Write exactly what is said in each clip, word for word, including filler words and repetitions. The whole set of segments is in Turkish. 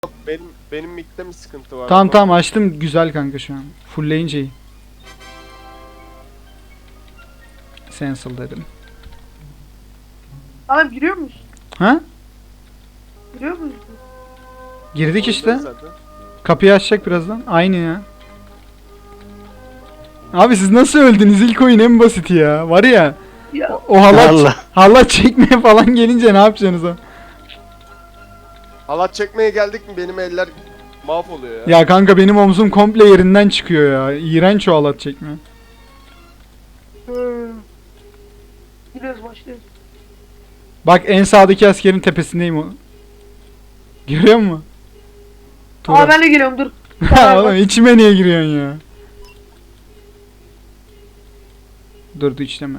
Benim benim mikte mi sıkıntı var? Tamam tamam açtım güzel kanka şu an. Fullleyince iyi. Sensal dedim. Sana giriyor musun? Ha? Giriyor musun? Girdik işte. Zaten. Kapıyı açacak birazdan. Aynı ya. Abi siz nasıl öldünüz? İlk oyun en basiti ya. Var ya. Ya O, o halat, Allah. halat çekmeye falan gelince ne yapacaksınız o? Halat çekmeye geldik mi benim eller mahvoluyor ya. Ya kanka benim omzum komple yerinden çıkıyor ya. İğrenç o halat çekme. hmm. Giriyoruz başlıyoruz. Bak en sağdaki askerin tepesindeyim o. Görüyor musun? Tuğra. Aa ben de geliyorum dur. Ha, oğlum içime niye giriyorsun ya? Dur dur içleme.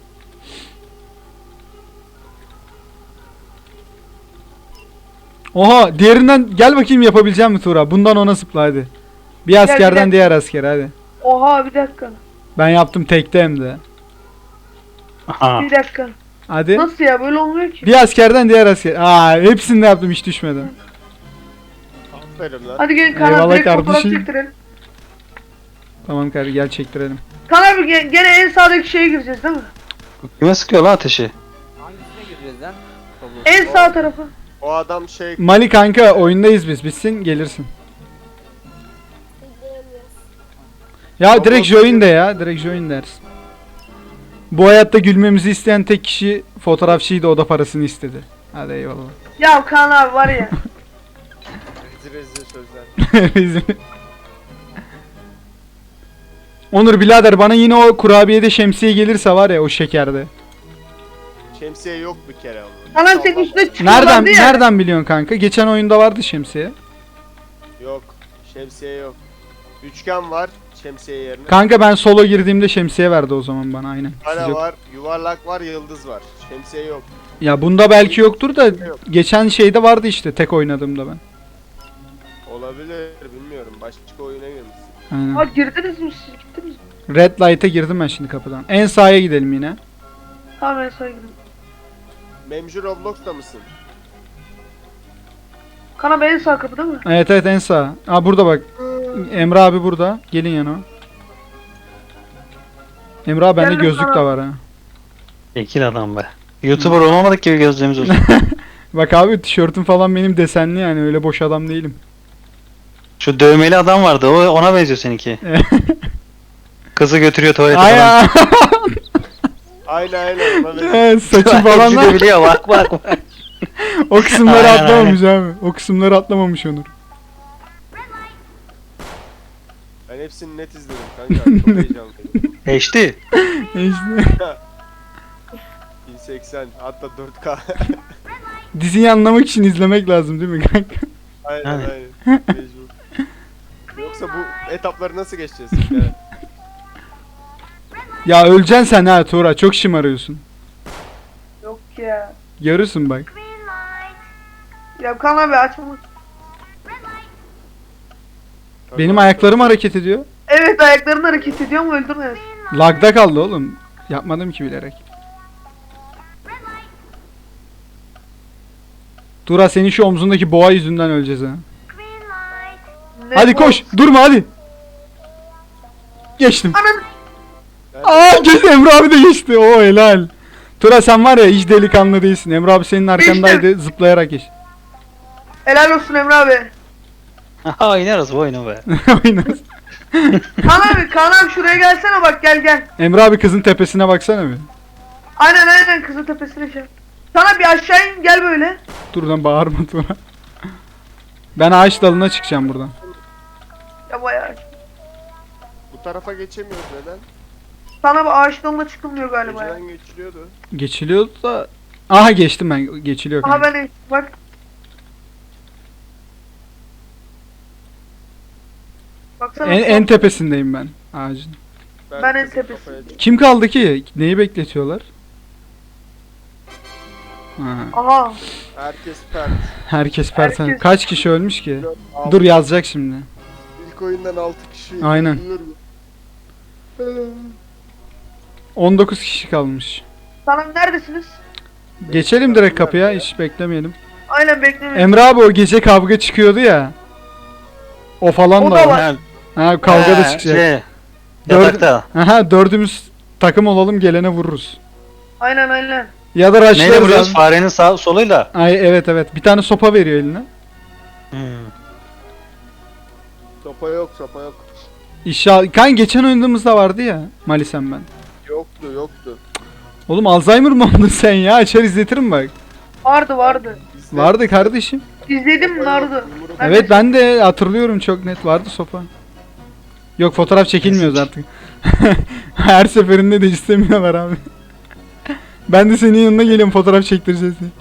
Oha diğerinden gel bakayım yapabileceğim mi Tuğra? Bundan ona zıpla hadi. Bir askerden gel. diğer asker hadi. Oha bir dakika. Ben yaptım tekte hem de. Aha. Bir dakika. Hadi. Nasıl ya böyle olmuyor ki? Bir askerden diğer asker. Aa hepsini de yaptım hiç düşmedim. Aferin lan. Hadi gelin Kaan Eyvallah abi direkt fotoğraf kardeşim. çektirelim. Tamam kardeşim gel çektirelim. Kaan abi ge- gene en sağdaki şeye gireceğiz değil mi? Kime sıkıyor lan ateşi? Hangisine gireceğiz lan? En sağ tarafı. O adam şey Mali kanka oyundayız biz. Bitsin gelirsin. Ya direkt join de ya. Direkt join dersin. Bu hayatta gülmemizi isteyen tek kişi fotoğrafçıydı, o da parasını istedi. Hadi eyvallah. Ya Kaan abi var ya. rezil rezil sözler. Bizim- Onur birader bana yine o kurabiyede şemsiye gelirse var ya o şekerde. Şemsiye yok bir kere onun. Kaan abi senin üstüne Nereden çıkıyorlardı ya. nereden biliyorsun kanka? Geçen oyunda vardı şemsiye. Yok. Şemsiye yok. Üçgen var şemsiye yerine. Kanka ben solo girdiğimde şemsiye verdi o zaman bana aynen. Siz Kare yok. var, yuvarlak var, yıldız var. Şemsiye yok. Ya bunda belki yoktur da Yok. geçen şeyde vardı işte tek oynadığımda ben. Olabilir bilmiyorum. Başka oyuna girmişsin. Aynen. Aa girdiniz mi siz gittiniz mi? Red Light'a girdim ben şimdi kapıdan. En sağa gidelim yine. Tamam en sağa gidelim. Memcu Roblox'ta mısın? Kaan abi en sağ kapı değil mi? Evet evet en sağ. Aa burada bak. Emre abi burada. Gelin yana. Emre abi bende Geldim gözlük sana. de var ha. Ekil adam be. YouTuber olamadık gibi gözlerimiz olsun. Bak abi tişörtüm falan benim desenli yani öyle boş adam değilim. Şu dövmeli adam vardı, o ona benziyor seninki. Kızı götürüyor tuvalete falan. Ay Aynen aynen. Ona benziyor. ya. Saçı falan Hepsi de da biliyor, bak bak bak. o kısımları Aynen, atlamamış abi. O kısımları atlamamış Onur. Ben hepsini net izledim kanka. Çok heyecanlıyım. H D. İşte bin seksen hatta dört K. diziyi anlamak için izlemek lazım değil mi kanka? Aynen Yani. aynen. Mecbur. Yoksa bu etapları nasıl geçeceğiz? Yani Ya öleceksin sen ha Tuğra çok şımarıyorsun. Yok ya. Görürsün bak. Ya Kaan abi açma. Benim ayaklarım hareket ediyor. Evet ayakların hareket ediyor mu öldürmez. Lagda kaldı oğlum. Yapmadım ki bilerek. Tuğra senin şu omzundaki boğa yüzünden öleceğiz ha. Ne Hadi bu? koş durma hadi. Geçtim. Anam. Aa geç Emre abi de geçti. Oo helal. Tura sen var ya hiç delikanlı değilsin. Emre abi senin arkandaydı zıplayarak geç. Helal olsun Emre abi. Aha oynarız bu oyunu be. Oynarız. Kaan abi Kaan abi şuraya gelsene bak gel gel. Emre abi kızın tepesine baksana bir. Aynen aynen kızın tepesine şey. Sana bir aşağı in gel böyle. Dur lan bağırma Tura. Ben ağaç dalına çıkacağım buradan. Ya bayağı. Bu tarafa geçemiyoruz neden? Sana bir ağaç dalına çıkılmıyor galiba ya. Önceden geçiliyordu. Geçiliyordu da. Aha geçtim ben. Geçiliyor Aha kanka. ben de bak. Baksana. En, en tepesindeyim ben ağacın. Ben en kızın tepesindeyim. kafaya- Kim kaldı ki? Neyi bekletiyorlar? Ha, Aha. Herkes pert. herkes perten. Herkes- Kaç kişi ölmüş ki? Altı- Dur yazacak şimdi. İlk oyundan altı kişi. Aynen. Biliyorum. on dokuz kişi kalmış. Sana neredesiniz? Geçelim direkt kapıya hiç beklemeyelim. Aynen beklemeyin. Emre abi o gece kavga çıkıyordu ya. O falan O da da var. var. Ha, Ha, kavga da ha, çıkacak. Şey, Dört- yatakta. Aha, dördümüz takım olalım, gelene vururuz. Aynen aynen. Ya da Neyle rushlarız vuruyoruz? abi. Farenin sağ soluyla. Ay evet evet. Bir tane sopa veriyor eline. Hmm. Sopa yok sopa yok. İnşallah. Kan geçen oynadığımızda vardı ya. Malisem ben. Yoktu yoktu. Oğlum Alzheimer mı oldun sen ya? Açar izletirim bak. Vardı vardı. Bizde Vardı kardeşim. İzledim sopa vardı. yok, yumruk- Ben Evet de- ben de hatırlıyorum, çok net vardı sopa. Yok, fotoğraf çekilmiyoruz artık. Her seferinde de istemiyorlar abi. Ben de senin yanına geliyorum, fotoğraf çektireceğiz diye.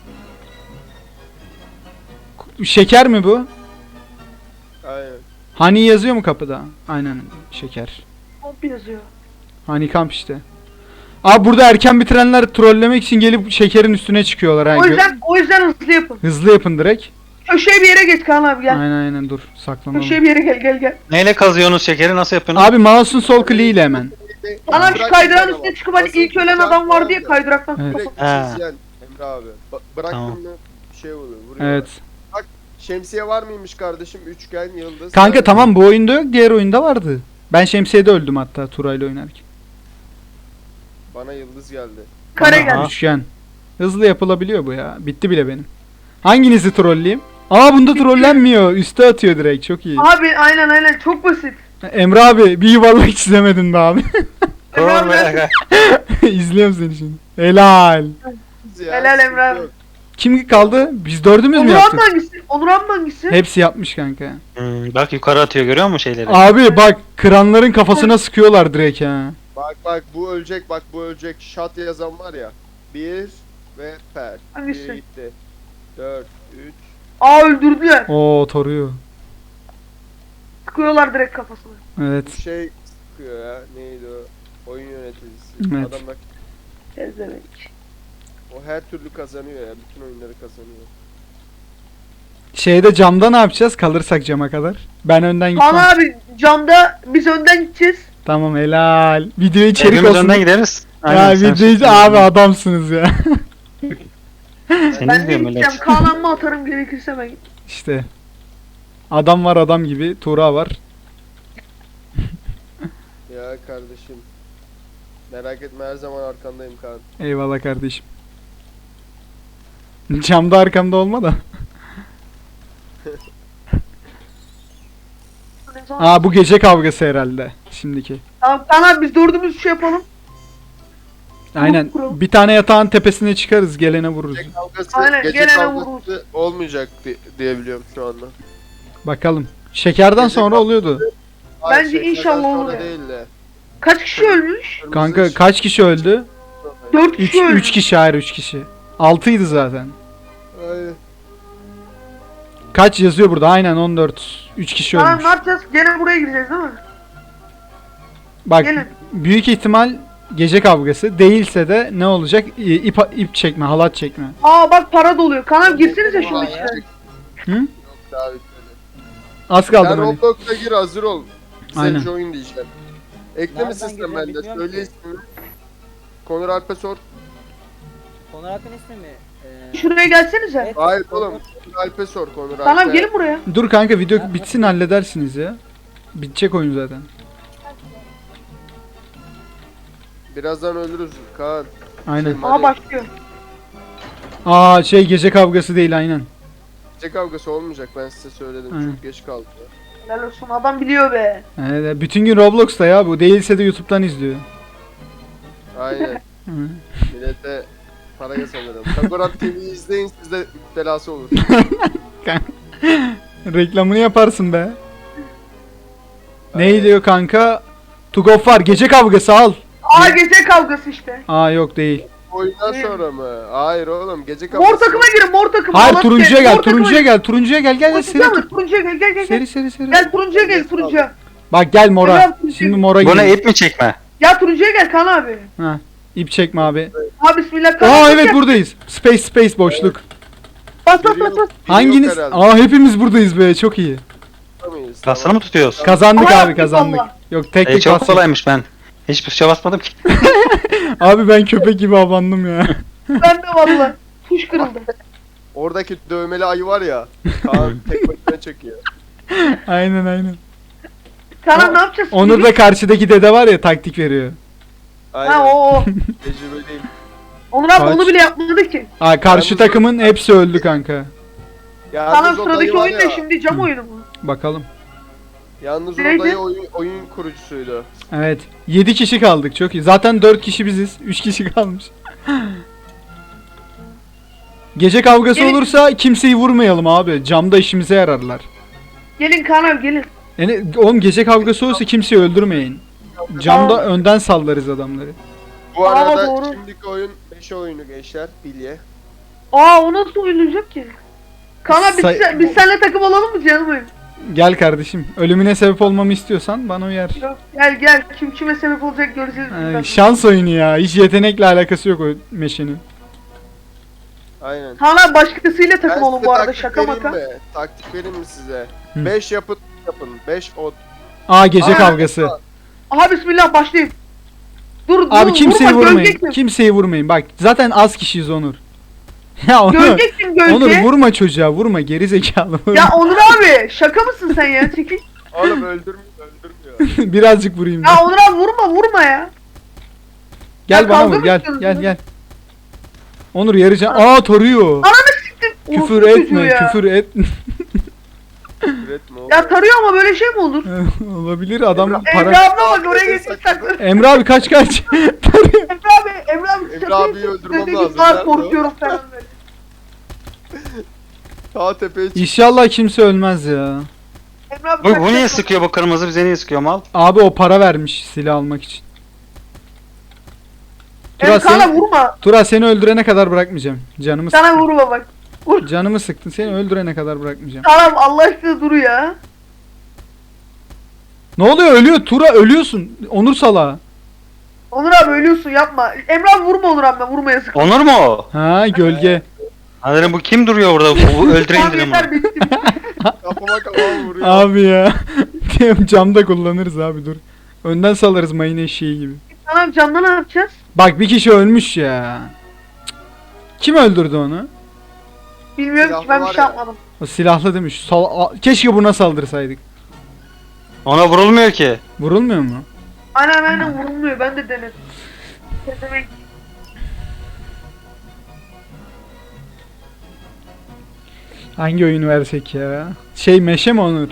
Şeker mi bu? Aynen. Hani yazıyor mu kapıda? Aynen, şeker. Komp yazıyor. Hani kamp işte. Abi burada erken bitirenler trollemek için gelip şekerin üstüne çıkıyorlar. Ha. O Gö- yüzden o yüzden hızlı yapın. Hızlı yapın direkt. Köşeye bir yere geç Kaan abi gel. Aynen aynen, dur saklanalım. Köşeye bir yere gel gel gel. Neyle kazıyorsunuz şekeri? Nasıl yapıyorsunuz? Abi mouse'un sol kliğiyle hemen. Kaan abi şu Bırak kaydırağın bir üstüne tane çıkıp hani Asıl ilk ölen bıçak adam vardı ya vardı. kaydıraktan. Evet. Direkt Ha. çizyen Emre abi. Ba- bıraktın Tamam. mı şey oluyor vuruyor. Evet. Şemsiye var mıymış kardeşim? Üçgen, yıldız. Kanka sarı. tamam, bu oyunda yok, diğer oyunda vardı. Ben şemsiyede öldüm hatta Turay'la oynarken. Bana yıldız geldi. Kare Aha. gel. Üçgen. Hızlı yapılabiliyor bu ya. Bitti bile benim. Hanginizi trolleyeyim? Aa, bunda trollenmiyor. Üste atıyor direkt. Çok iyi. Abi aynen aynen çok basit. Emre abi bir yuvarlak çizemedin be abi. Emre abi Doğru be. ben- İzliyorum seni şimdi. Helal. Ya, Helal sıkıntı Emre abi. yok. Kim kaldı? Biz dördümüz mü Onur abi yaptık? hangisi? Onur abi hangisi? Hepsi yapmış kanka. Hmm, bak yukarı atıyor, görüyor musun şeyleri? Abi bak, kıranların kafasına sıkıyorlar direkt ha. Bak bak bu ölecek bak bu ölecek. Shot yazan var ya. Bir ve per. Hangisi? Bir gitti. Dört, üç. Aa öldürdüler. Oo, toruyor. Sıkıyorlar direkt kafasına. Evet. Bir şey sıkıyor ya. Neydi o? Oyun yöneticisi. Evet. Adam bak Gezemek. o her türlü kazanıyor ya. Bütün oyunları kazanıyor. Şeyde camda ne yapacağız? Kalırsak cama kadar. Ben önden Kaan gitmem. abi camda biz önden gideceğiz. Tamam, helal. Video içerik Hepimiz olsun. önden gideriz. Ya Aynen, sen video şimdi- abi adamsınız ya. Seni Ben de izliyorum gideceğim. öyle. Kaan amma atarım gerekirse ben. İşte. Adam var adam gibi. Tuğra var. Ya kardeşim. Merak etme her zaman arkandayım Kaan. Eyvallah kardeşim. Camda arkamda olma da. Aa, bu gece kavgası herhalde. Şimdiki. Tamam Kaan abi biz dördümüz şey yapalım. Aynen. kuralım. Bir tane yatağın tepesine çıkarız. Gelene vururuz. Gece kavgası, Aynen, gece gelene kavgası olmayacak di- diye biliyorum şu anda. Bakalım. Şekerden Gece sonra kav- oluyordu. Hayır, Bence şekerden inşallah sonra olur ya. Değil de. Kaç kişi ölmüş? Kırmızı Kanka ışık- kaç kişi öldü? Dört üç kişi ölmüş. üç kişi, hayır üç kişi. altıydı zaten. Aynen. Kaç yazıyor burada? Aynen on dört. üç kişi Tamam ölmüş. ne yapacağız? Gene buraya gireceğiz değil mi? Bak, Gelin. büyük ihtimal gece kavgası. Değilse de ne olacak? İ- İp, ip çekme, halat çekme. Aa bak para doluyor. Kaan abi girsenize şunun Vay içine. ya. Hı? Yok daha bitmedi. Az Sen kaldı hani. Roblox'a gir hazır ol. Sen Aynen. join diyeceğim. Ekle Nereden mi sistem gireceğim bende? bilmiyorum Söyle ki. ismini. Konur Alp'e sor. Konur Akın ismi mi? Ee, Şuraya gelsenize. evet, Hayır Konur- oğlum. Konur Alp'e sor Konur Alp'e. Tamam gelin buraya. Dur kanka, video bitsin halledersiniz ya. Bitecek oyun zaten. Birazdan ölürüz Kaan. Aynen. Şey, Aa başlıyor. Aa şey, gece kavgası değil aynen. Gece kavgası olmayacak ben size söyledim. Aynen. Çok geç kaldı. Helal olsun adam biliyor be. Evet, bütün gün Roblox'ta ya bu. Değilse de YouTube'dan izliyor. Aynen. Hı. Millete para kazanırım. Kagorat T V'yi izleyin sizde müptelası olur. Reklamını yaparsın be. Ne diyor kanka? Tugov var. Gece kavgası al. Aa gece kavgası işte. Aa yok değil. Oyundan sonra mı? Hayır oğlum gece kavgası. Mor takıma girin mor takıma. Hayır, Allah turuncuya seni, gel, mor takıma turuncuya gir. gel, turuncuya gel, gel gel seri Turuncuya tur. mı? Turuncuya gel gel gel. Seri Gel, seri seri. gel turuncuya gel turuncuya. Bak gel mora. Gel, turuncuya Şimdi gel. mora Bu ne, gel. ip mi çekme? Ya turuncuya gel Kaan abi. Ha. İp çekme abi. Ha bismillah Kaan Aa abi, evet gel. buradayız. Space space boşluk. Bas bas Biri bas yok- bas. biri yok Hanginiz? herhalde. Aa hepimiz buradayız be, çok iyi. Tutamayız, Basını tamam. mı tutuyoruz? Kazandık Ama abi, yaptık kazandık. valla. Yok tek E, tek çok bastık. kolaymış ben. Hiçbir şey basmadım ki. Abi ben köpek gibi abandım ya. Ben de valla. Tuş kırıldı. Oradaki dövmeli ayı var ya. Kaan tek başına çekiyor. Aynen aynen. Kaan abi O- ne yapacağız? Onur da karşıdaki dede var ya taktik veriyor. Aynen. Ha o o. Tecrübeliyim. Onur abi Kaç? onu bile yapmadı ki. Aa, karşı Yalnız- takımın hepsi öldü kanka. Yalnız Kaan abi o sıradaki dayı var oyun ne ya, şimdi cam oyunu mu? Bakalım. Yalnız o Neydi? dayı oyun, oyun kurucusuydu. Evet. yedi kişi kaldık. Çok iyi. Zaten dört kişi biziz. üç kişi kalmış. Gece kavgası Gelin. olursa kimseyi vurmayalım abi. Camda işimize yararlar. Gelin Kaan abi gelin. Yani oğlum gece kavgası olursa kimseyi öldürmeyin. Camda önden sallarız adamları. Bu Aa, arada doğru. şimdiki oyun beş oyunu gençler. Bilye. Aa o nasıl oynayacak ki? Kaan abi biz, Say- sen- biz seninle takım olalım mı canım oyun? Gel kardeşim. Ölümüne sebep olmamı istiyorsan bana uyar. Yok, gel gel kim kime sebep olacak göreceğiz. Ay, bizden. şans oyunu ya. Hiç yetenekle alakası yok o meşenin. Aynen. Kaan abi başkasıyla Ben takım olun size bu arada taktik şaka vereyim maka. mi? Taktik vereyim mi size? Hı. beş yapın yapın. beş ot. Aa, gece Aa, kavgası. Aha bismillah başlayayım. Dur Abi dur kimseyi vurma, vurmayın. göreceksin. Kimseyi vurmayın. Bak zaten az kişiyiz Onur. Ya Onur. Göreceksin gölge. Onur vurma çocuğa, vurma geri zekalı. Vurma. Ya Onur abi şaka mısın sen ya çekil. Oğlum öldürmüyor öldürmüyor. Birazcık vurayım. Ya ben. Onur abi vurma vurma ya. Gel ya bana kavga vur, mı gel istiyorsunuz gel ya? gel. Onur yarıca. Aa, toruyor. Ananı siktim. Küfür Orospu etme, çocuğu ya. küfür et. Üretme oğlum. Ya tarıyor ama böyle şey mi olur? Olabilir adam Emre para. abla bak oraya geçip saklı. Emre abi kaç kaç. Tarıyor. Emre abi Emre abi Emre şaka abiyi yapıyorsun. öldürmem Dedi ki, lazım. "Aa, Nerede o?" korkuyorum falan böyle. Ta tepeye çık. İnşallah kimse ölmez ya. Emre abi Bu, kaç bu niye kaç- sıkıyor bu kırmızı, bize niye sıkıyor mal? Abi o para vermiş silah almak için. Emre Tura, sana sen, vurma. Tura seni öldürene kadar bırakmayacağım. Canımı Sana sıktın. vurma bak. Canımı sıktın. Seni öldürene kadar bırakmayacağım. Tamam Allah aşkına dur ya. Ne oluyor? Ölüyor. Tura ölüyorsun. Onur salağı. Onur abi ölüyorsun yapma. Emre abi vurma Onur abi vurma yazık. Onur mu o? Ha, gölge. Ha dedim bu kim duruyor burada? Bu, bu öldüreyim Tamam dedim yeter bunu. bitti. Kafama kafama vuruyor. Abi ya. Camda kullanırız abi, dur. Önden salarız mayın eşeği gibi. Tamam camda ne yapacağız? Bak bir kişi ölmüş ya. Cık. Kim öldürdü onu? Bilmiyorum Silahlı ki ben bir var şey ya. yapmadım. O silahlı demiş. Sal a- Keşke buna saldırsaydık. Ona vurulmuyor ki. Vurulmuyor mu? Aynen aynen vurulmuyor ben de denedim. Ne demek? Hangi oyunu versek ya? Şey, meşe mi Onur?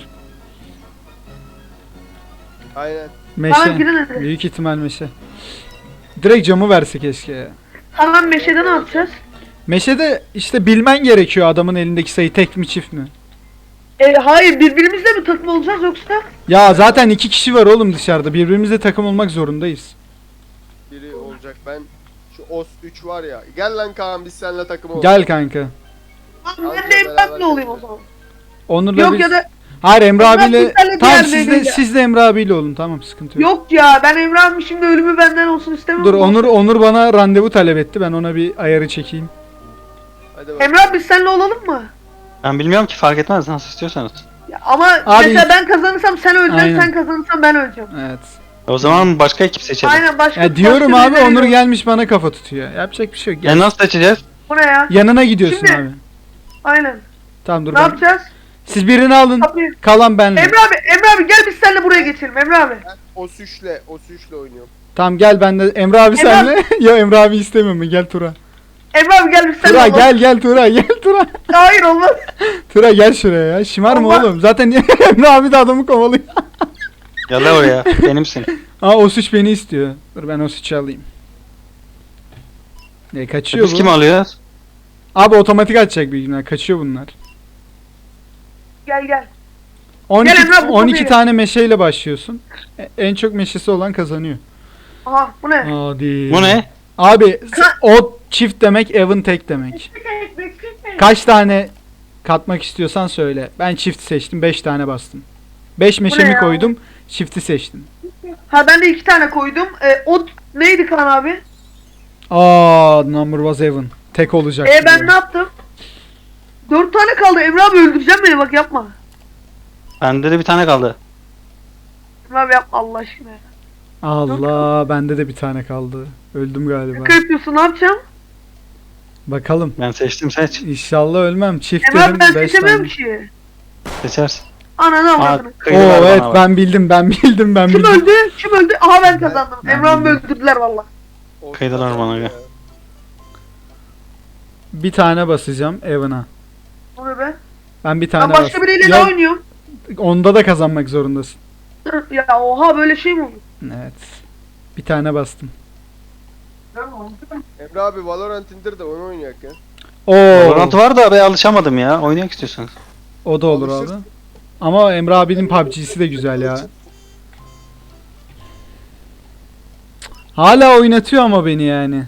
Aynen. Meşe. Tamam girin hadi. Büyük ihtimal meşe. Direkt camı verse keşke ya. Tamam meşede ne yapacağız? Meşede işte bilmen gerekiyor adamın elindeki sayı tek mi çift mi? E, hayır birbirimizle mi takım olacağız yoksa? Ya zaten iki kişi var oğlum dışarıda. Birbirimizle takım olmak zorundayız. Biri olacak. Ben şu Os üç var ya. Gel lan Kaan biz seninle takım olalım. Gel kanka. Abi Al ben ya, de Emre'yle beraber olayım o zaman. Onur'la Yok biz... ya da Hayır, Emre Emre abiyle... abi senle Tamam diğer siz de, biriyle. siz de Emre abiyle olun, tamam, sıkıntı yok. yok ya ben Emre abi şimdi ölümü benden olsun istemiyorum. Dur, Onur Onur bana randevu talep etti. Ben ona bir ayarı çekeyim. Hadi bak. Emre abi biz seninle olalım mı? Ben bilmiyorum ki, fark etmez nasıl istiyorsanız. Ya ama Abi- mesela ben kazanırsam sen öleceksin, Aynen. sen kazanırsan ben öleceğim. Evet. O zaman başka ekip seçelim. Aynen başka Ya diyorum başka abi, birileri Onur yok. gelmiş bana kafa tutuyor. Yapacak bir şey yok. E Gel. nasıl seçeceğiz? Bu ne ya? Yanına gidiyorsun Şimdi- abi. Aynen. Tamam dur Ne ben. yapacağız? Siz birini alın. Kapıyı. Kalan benle. Emre abi, Emre abi gel biz seninle buraya geçelim Emre abi. Ben Os üç'le Os üç'le oynuyorum. Tamam gel ben de. Emre abi Emre senle. Ya Emre abi istemiyorum ben. Gel Tura. Emre abi gel biz seninle Tura olalım. gel gel Tura gel Tura. Hayır olmaz. Tura gel şuraya ya. Şımarma Allah. oğlum. Zaten Emre abi de adamı kovalıyor. Gel lan oraya. Benimsin. Aa, o suç beni istiyor. Dur ben o suçu alayım. Ne kaçıyor Biz bu? kim alıyoruz? Abi otomatik atacak büyük ihtimalle. Kaçıyor bunlar. Gel gel. on iki, Gel Emre abi, bu on iki kapıya. tane meşeyle başlıyorsun. E- En çok meşesi olan kazanıyor. Aha bu ne? Hadi. Bu ne? Abi o çift demek, Evan tek demek. Kaç tane katmak istiyorsan söyle. Ben çift seçtim, beş tane bastım. beş meşemi ya? koydum, çifti seçtim. Ha ben de iki tane koydum. E, o neydi Kaan abi? Aa, number was Evan. Tek olacak. E ben ne yaptım? Dört tane kaldı. Emre abi öldüreceğim beni bak yapma. Bende de bir tane kaldı. Emre abi yapma Allah aşkına. Allah, bende de bir tane kaldı. Öldüm galiba. Şaka yapıyorsun ne yapacağım? Bakalım. Ben seçtim, seç. İnşallah ölmem. Çift Emre abi dedim ben beş seçemiyorum tane. ki. Seçersin. Ananı Aa, avradını. Oo kıydılar evet bana bak. ben bildim ben bildim ben Kim bildim. öldü? Kim öldü? Aha ben kazandım. Ben Emre abi bildim. öldürdüler valla. Olsun Kıydılar bana ya. ya. Bir tane basacağım Evan'a. O ne be? Ben bir Ben tane başka bas- biriyle Ya, ne oynuyorum? onda da kazanmak zorundasın. Ya oha böyle şey mi olur? Evet. Bir tane bastım. Emre abi Valorant indir de onu oynayak ya. Oo. Valorant var da ben alışamadım ya. Oynayak istiyorsanız. O da olur abi. Alışırsın. Ama Emre abinin P U B G'si de güzel ya. Hala oynatıyor ama beni yani.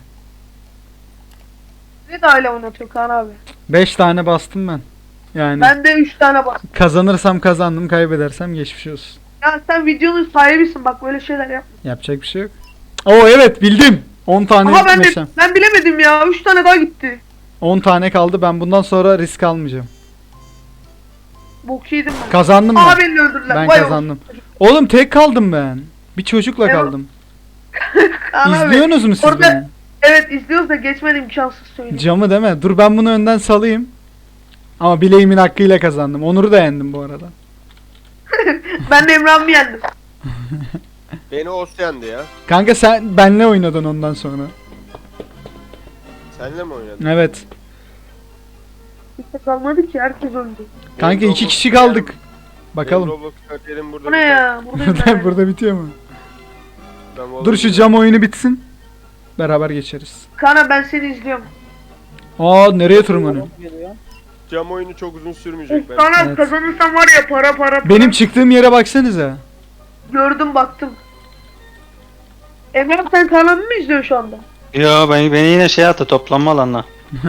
Ne de öyle oynatıyor Kaan abi. beş tane bastım ben. Yani Ben de üç tane bastım. kazanırsam kazandım, kaybedersem geçmiş olsun. Ya sen videonun sahibisin bak böyle şeyler yap. Yapacak bir şey yok. Oo evet bildim. on tane Aha ben de meşem. ben bilemedim ya. üç tane daha gitti. on tane kaldı. Ben bundan sonra risk almayacağım. Bok yedim ben. Kazandım Aha ben. beni öldürdüler. Ben Vay kazandım. Oğlum tek kaldım ben. Bir çocukla Evet. kaldım. Kaan abi. İzliyorsunuz mu siz Orada- beni? Evet izliyoruz da geçmen imkansız söyleyeyim. Camı deme. Dur ben bunu önden salayım. Ama bileğimin hakkıyla kazandım. Onur'u da yendim bu arada. Ben de Emre abi yendim. Beni Os yendi ya. Kanka sen benle oynadın ondan sonra. Senle mi oynadın? Evet. Kimse kalmadı ki herkes öldü. Kanka Benim iki Roblox kişi kariyerim- kaldık. benim Bakalım. Roblox kariyerim burada Bu ne biter. ya? Buradayım ben. Burada bitiyor mu? Ben Dur Valorant- şu cam oyunu bitsin. Beraber geçeriz. Kaan abi ben seni izliyorum. Aa nereye tırmanıyor? Geliyor. Cam oyunu çok uzun sürmeyecek ben. Kaan abi Evet. kazanırsam var ya para para para. Benim çıktığım yere baksanıza. Gördüm baktım. Emre abi sen Kaan abi mi izliyorsun şu anda? Yo ben, beni yine şey attı, toplanma alanına.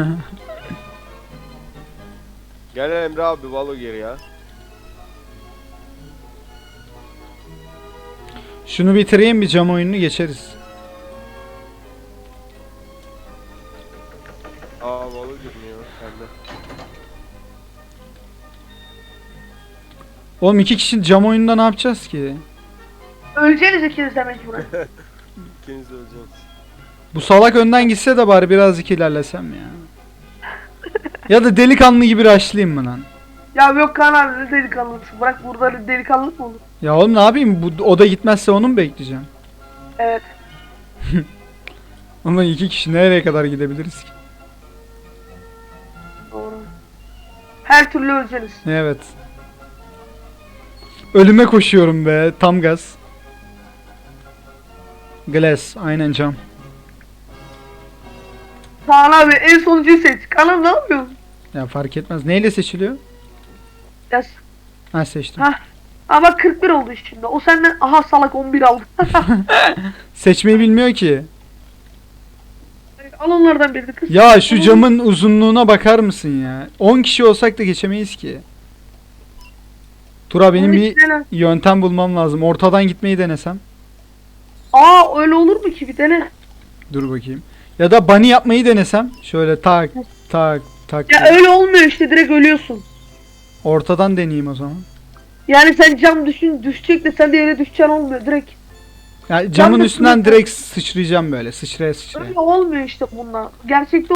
Gel Emre abi Valo gir ya. Şunu bitireyim bir cam oyununu geçeriz. Aa Valo girmiyor sende. Oğlum iki kişi cam oyununda ne yapacağız ki? Öleceğiniz ikiniz demek buraya. İkiniz de öleceksiniz. Bu salak önden gitse de bari birazcık ilerlesem ya. Ya da delikanlı gibi rushlayayım mı lan? Ya yok Kaan abi ne delikanlısı. Bırak burada delikanlılık mı olur? Ya oğlum ne yapayım? Bu, o da gitmezse onu mu bekleyeceğim? Evet. Ama iki kişi nereye kadar gidebiliriz ki? Doğru. Her türlü öleceğiniz. Evet. Ölüme koşuyorum be. Tam gaz. Glass. Aynen cam. Kaan abi en sonuncuyu seç. Kaan abi ne yapıyorsun? Ya fark etmez. Neyle seçiliyor? Yaz. Ha seçtim. Ha. Aa bak kırk bir oldu şimdi. O senden aha salak on bir aldı. Seçmeyi bilmiyor ki. Al onlardan birini kız. Ya şu camın uzunluğuna bakar mısın ya? on kişi olsak da geçemeyiz ki. Tura benim bir yöntem bulmam lazım. Ortadan gitmeyi denesem. Aa öyle olur mu ki bir dene. Dur bakayım. Ya da bunny yapmayı denesem. Şöyle tak tak tak. Ya öyle olmuyor işte direkt ölüyorsun. Ortadan deneyeyim o zaman. Yani sen cam düşün düşecek de sen de yere düşeceksin olmuyor direkt. Ya camın da üstünden sınıfta- direkt sıçrayacağım böyle. Sıçraya sıçraya. Öyle olmuyor işte bunlar. Gerçekte